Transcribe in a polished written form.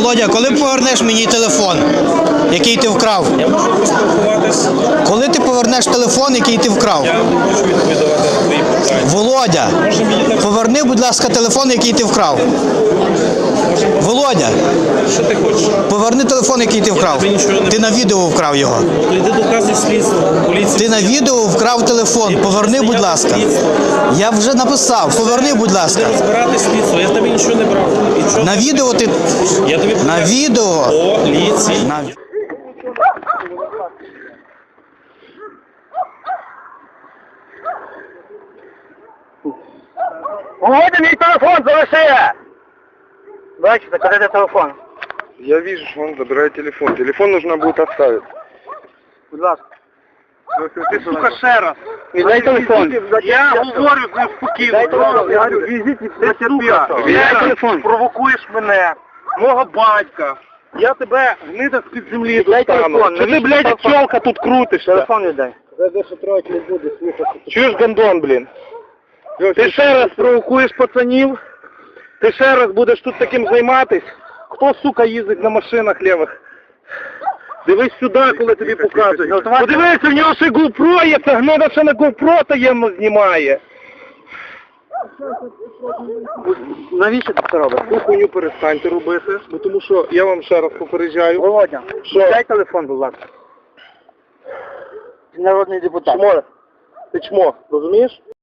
Володя, коли повернеш мені телефон, який ти вкрав? Я можу поспілкуватись. Коли ти повернеш телефон, який ти вкрав? Я не хочу відповідати на твої питання. Володя, поверни, будь ласка, телефон, який ти вкрав. Володя, Що ти хочеш? поверни телефон, який ти вкрав. Ти на відео вкрав його. То йди доказуй слідство. Поліція. Ти на відео вкрав телефон. Поверни, будь ласка. Я вже написав. Поверни, будь ласка. Розбирати слідство. Я в тебе нічого не брав. Нічого. На відео ти... Я тобі На покажу. відео... Поліція. На... Володя, мій телефон залиши! Бачите, куди телефон? Я вижу, что он забирает телефон. Телефон нужно будет оставить. Будь ласка. Ты, сука, ще раз. Віддай телефон. Я говорю з ним спокійно. Дай телефон. Я говорю, візіть і Ти, сука, віддай телефон. провокуєш мене, мого батька. Я тебе гнида з-під землі Віддай телефон. Чи ти, блядь, як пчелка тут крутишся? Телефон віддай. Чуєш, гандон, блін? Ти ще раз провокуєш пацанів, ти ще раз будеш тут таким займатись. Хто, сука, їздить на машинах лівих? Дивись сюди, коли тобі показують. Подивися, в нього ще GoPro є, це гнида ще на GoPro таємно знімає. Навіщо ти це робиш? Ту хуйню перестаньте робити, бо тому що я вам ще раз попереджаю. Володя, Що? дай телефон, будь ласка. Ти народний депутат. Чмо. Ти чмо, розумієш?